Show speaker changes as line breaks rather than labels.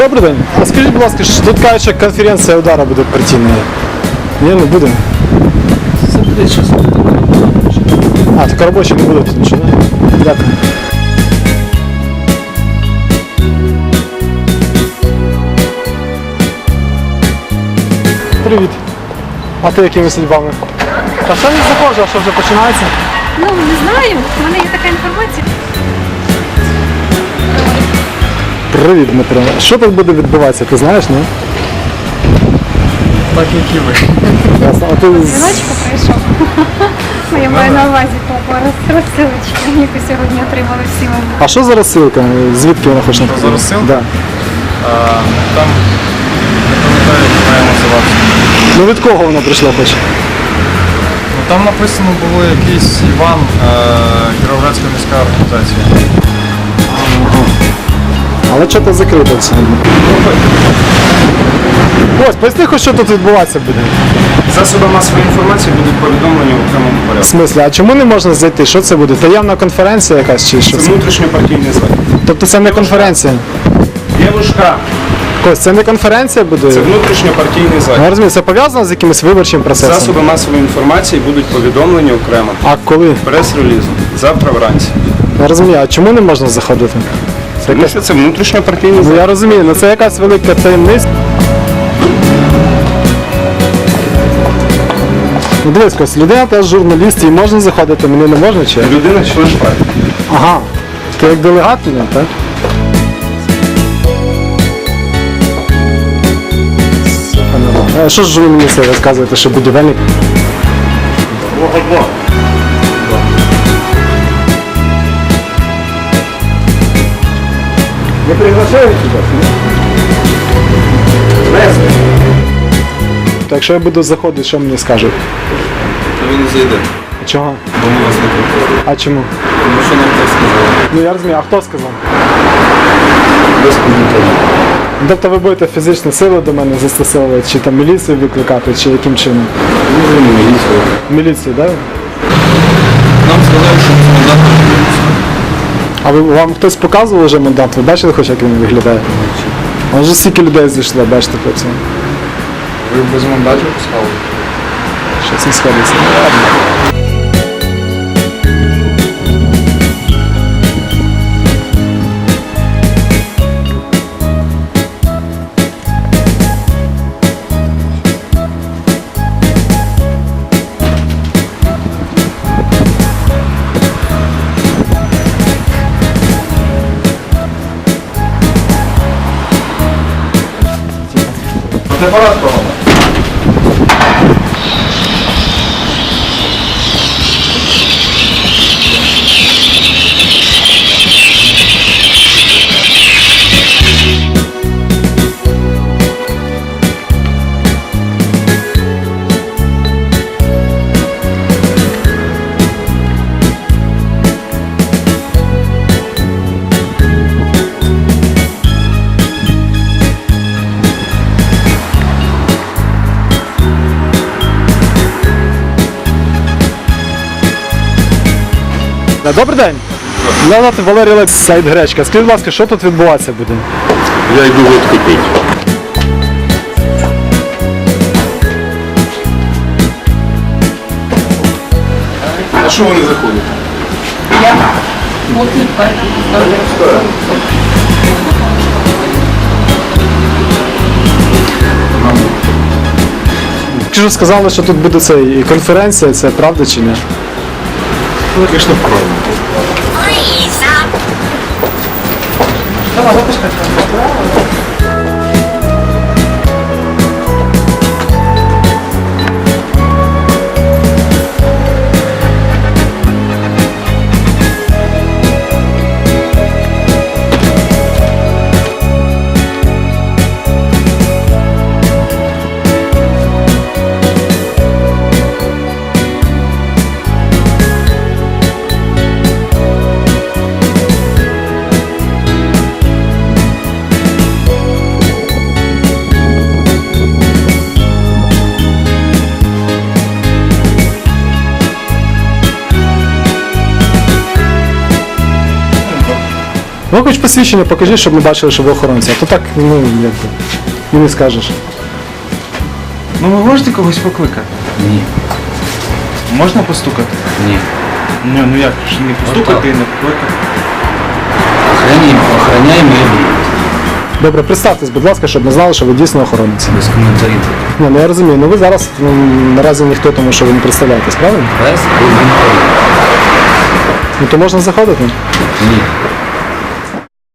Добрий день. А скажіть, будь ласка, що тут кажуть, що конференція удара буде партійною. Ні, не буде.
Це буде щось.
А, так робочі не буде тут нічого, да? Дякую. Привіт. А ти якими судьбами? Та ще не заходжу, а що вже починається?
Ну, не знаю, в мене є така інформація.
Привіт, Дмитро. Що тут буде відбуватися, ти знаєш, ні?
Так, як і ви.
Ясно. А ти
Дзвіночку прийшов. Ну, я маю на увазі по розсилочці, яку сьогодні отримали всі ми.
А що за розсилка? Звідки вона хоче?
Що за розсилка?
Да.
Там, не пам'ятаю, як має називатися.
Ну від кого вона прийшла хоч?
Ну, там написано було якийсь Іван, Кіровоградська міська організація.
Але що то закрито все. Ось, поясни хоч, що тут відбуватися буде.
Засоби масової інформації будуть повідомлені в окремому
В
порядку.
смислі, а чому не можна зайти? Що це буде? Таємна конференція якась чи що
Це
це?
внутрішньопартійний захід.
Тобто це не конференція?
Дівушка,
Кось, це не конференція буде?
це внутрішньопартійний
Я
захід.
розумію, це пов'язано з якимось виборчим процесом?
Засоби масової інформації будуть повідомлені окремо.
А коли?
Прес-релізом. Завтра вранці.
Я розумію, а чому не можна заходити? Це
Тому
якась...
що це внутрішньопартійний
Ну
захід.
я розумію, але це якась велика таємниця. Ну дивись, Кось, людина теж журналіст, їй можна заходити, мені не можна чи? як?
Людина член партії.
Ага. Ти як делегат тоді, так? А що ж ви мені це розказуєте, що будівельник?
Не приглашають тебе?
Так якщо я буду заходити, що мені скажуть?
Ви не зайдете,
Чого?
бо ми вас не пропустили.
А чому?
Тому що нам так сказали.
Ну я розумію, а хто сказав?
Без коментарів.
Тобто ви будете фізичну силу до мене застосовувати, чи там міліцію викликати, чи яким чином?
Може, не міліцію.
Міліцію, так? Да?
Нам сказали, що ми мандат не
А вам хтось показував вже мандат? Ви бачили хоч як він виглядає? А вже стільки людей зійшло, бачите по цьому.
Ви без мандатів пускали?
Що це сходиться? Ну ладно.
Фотоапарат кого?
Добрий день. Мене звати Валерій Олекс, сайт Гречка. Скажіть, будь ласка, що тут відбуватися буде?
Я йду водку пити.
А що вони заходять?
Тільки що сказали, що тут буде це і конференція, це правда чи ні?
Ну, звісно, правильно.
Ну хоч посвідчення покажи, щоб ми бачили, що ви охоронці. А то так, ну, якби, і не скажеш.
Ну ви можете когось покликати?
Ні.
Можна постукати?
Ні.
Ну як ж не постукати і не покликати?
Охороняємо і
Добре, представтесь, будь ласка, щоб ми знали, що ви дійсно охоронець.
без коментарів.
Ні, ну я розумію, ну ви зараз наразі ніхто, тому що ви не представляєтесь, правильно?
Без коментарів.
Ну то можна заходити.
Ні.